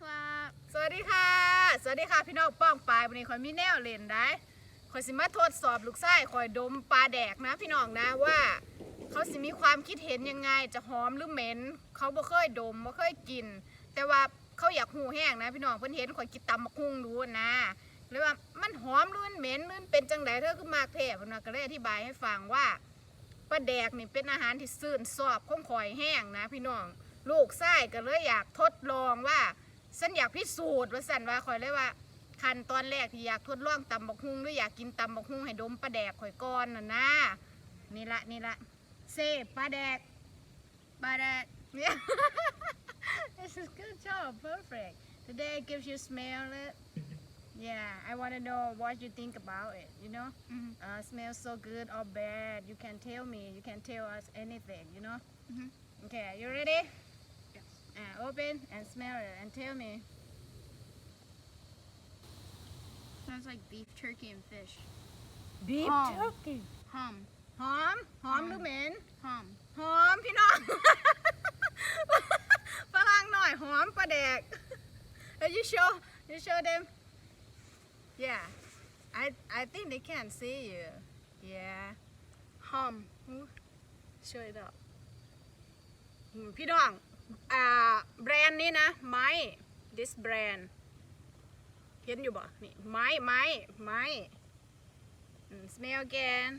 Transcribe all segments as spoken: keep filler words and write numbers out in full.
ครับสวัสดีค่ะสวัสดีค่ะพี่น้องป้องปลายวันนี้คอยมีแนวเล่นได้คอยสิมาทดสอบลูกไส้คอยดมปลาแดกนะพี่น้องนะว่าเขาสิมีความคิดเห็นยังไงจะหอมหรือเหม็นเขาบ่เคยดมบ่เคยกินแต่ว่าเขาอยากหูแห้งนะพี่น้องเพิ่นเห็นคอยกินตำมะคุ้งรู้นะเลยว่ามันหอมหรือมันเหม็นหรือมันเป็นจังไดเธอคือมากแท้เพิ่นว่าก็เลยอธิบายให้ฟังว่าปลาแดกนี่เป็นอาหารที่ซื่นซอบของข่อยแห้งนะพี่น้องลูกไส้ก็เลยอยากทดลองว่าฉันอยากพิสูจน์ว่าสันว่าข่อยเลยว่าขั้นตอนแรกที่อยากทดลองตำบักฮุ่งหรืออยากกินตำบักฮุ่งให้ดมปลาแดกข่อยก่อนน่ะนะนี่ละนี่ละเซปลาแดกปลาแดกเนี่ย This is good job perfect today gives you smell it yeah I want to know what you think about it you know mm-hmm. uh, smells so good or bad you can tell me you can tell us anything you know mm-hmm. okay you ready yes uh, open and smell it and tell me sounds like beef turkey and fish beef Hum. turkey hum หอมหอมหรือเหม็น hum หอมพี่น้อง ฝรั่งหน่อยหอมปลาแดก you show you show them yeah I I think they can see you yeah hum show it up อืมพี่น้องอ่าแบรนด์นี้นะไม้ this brand เห็นอยู่บ่นี่ไม้ไม้ไม้อืม smell again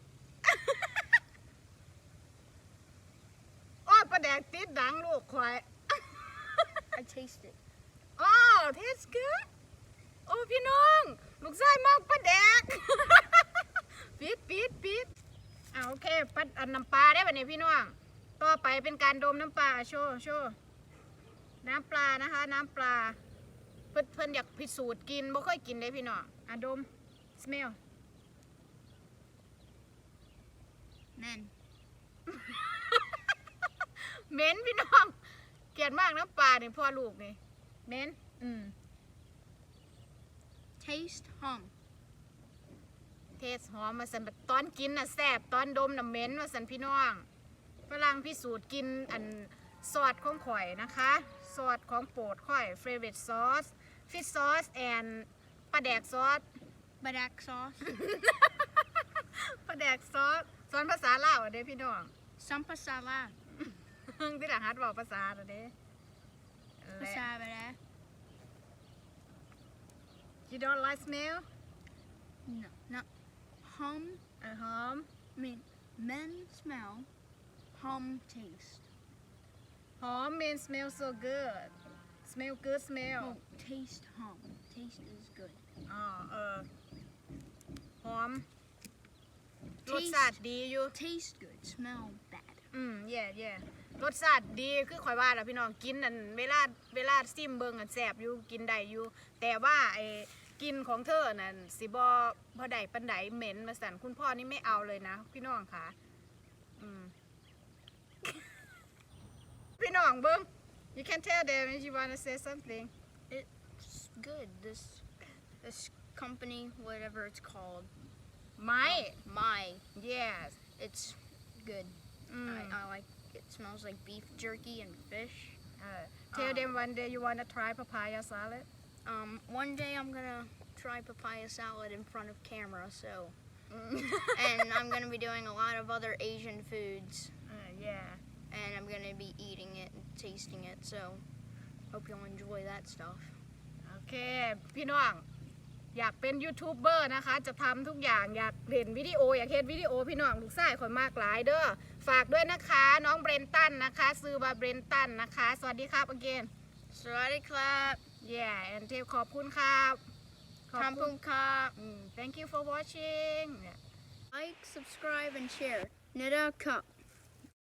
โอ้ยปลาแดกติดดังลูกควาย I taste it โอ้ taste good โอ้พี่น้องลูกชายมากปลาแดก ปิดปิดปิดอ่าโอเคปัดอันน้ำปลาได้ป่ะเนี่ยพี่น้องต่อไปเป็นการดมน้ำปลาโชว์โชว์น้ำปลานะคะน้ำปลาเพื่อนเพื่อนอยากพิสูจน์กินบ่ค่อยกินเลยพี่น้องอ่ะดม smell men เหม็นพี่น้องเกลียดมากน้ำปลาเนี่ยพ่อลูกนี่เหม็นอืม taste hum เทสหอมมาสันแบบตอนกินน่ะแซ่บตอนดมน่ะเหม็นมาสันพี่น้องฝรั่งพิสูจน์กินอันซอสของข่อยนะคะซอสของโปรดข่อย favorite sauce fish sauce and ปลาแดกซอส badak sauce ปลาแดกซอสสอนภาษาลาวเด้พี่น้อง sampa sala ที่หลังฮัดบอกภาษาเด้ภาษาอะไร You don't like smell no no hum อ่ะหอม I mean men smell hum taste หอม mean smell so good smell good smell oh taste hum taste is good อ๋อเออหอม Taste รสชาติดีอยู่ taste good smell bad อืมเย่เย่รสชาติดีคือข่อยว่าแหละพี่น้องกินอันเวลาเวลาซิมเบิงอันแสบอยู่กินได้อยู่แต่ว่าไอ้กินของเธอนั่นสิบ่บ่ได้ปานใดเหม็นมาสั่นคุณพ่อนี่ไม่เอาเลยนะพี่น้องค่ะอืม พี่น้องเบิง you can tell them if you wanna say something it's good this this company whatever it's called ไม้ my yes it's good อืม I, I like it smells like beef jerky and fish Uh, tell them one day you wanna try papaya salad um one day I'm gonna try papaya salad in front of camera so and I'm gonna be doing a lot of other Asian foods uh, yeah and I'm gonna be eating it and tasting it so hope you'll enjoy that stuff โอเคพี่น้องอยากเป็นยูทูบเบอร์นะคะจะทำทุกอย่างอยากเห็นวิดีโออยากเห็นวิดีโอพี่น้องลูกชายคนมากหลายเด้อฝากด้วยนะคะน้องเบรนตันนะคะซื้อมาเบรนตันนะคะสวัสดีครับ again สวัสดีครับ yeah and เทลขอบคุณครับขอบคุณครับอืม thank you for watching like subscribe and share Nida Cup